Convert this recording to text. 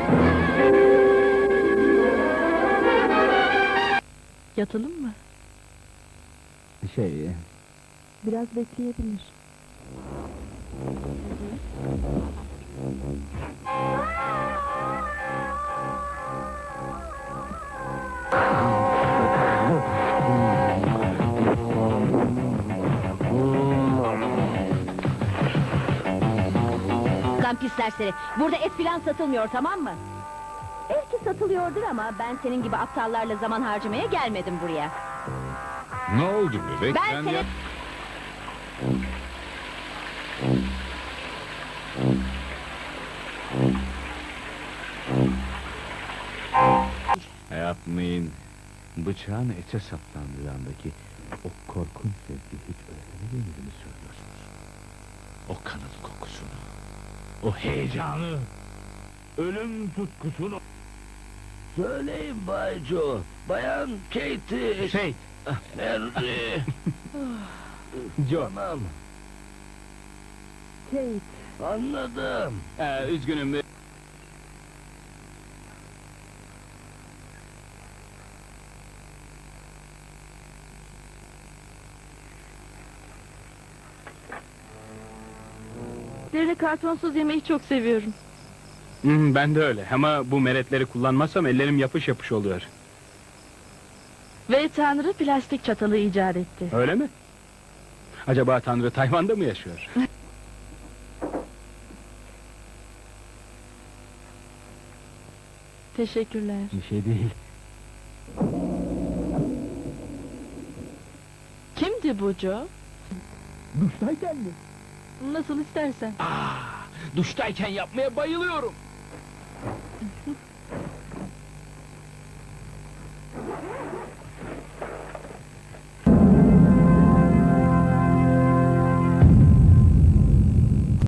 Yatalım mı? Biraz bekleyebilir. Lan pis serseri, burada et filan satılmıyor, tamam mı? Belki satılıyordur ama ben senin gibi aptallarla zaman harcamaya gelmedim buraya. Ne oldu bebek? Ben seni... Yapmayın. Bıçağın ete saplandığı andaki o korkunç zevki hiç öğrenemediğinizi mi söylüyorsunuz? O kanın kokusunu, o heyecanı, ölüm tutkusunu... Söyleyin Bay Joe, Bayan Katie... Henry... Joe. Tamam, Kate, anladım. Üzgünüm. Deri kartonsuz yemeği çok seviyorum. Ben de öyle ama bu meretleri kullanmazsam ellerim yapış yapış oluyor. Ve Tanrı plastik çatalı icat etti. Öyle mi? Acaba Tanrı Tayvan'da mı yaşıyor? Teşekkürler. Bir şey değil. Kimdi bu Joe? Duştayken mi? Nasıl istersen. Duştayken yapmaya bayılıyorum.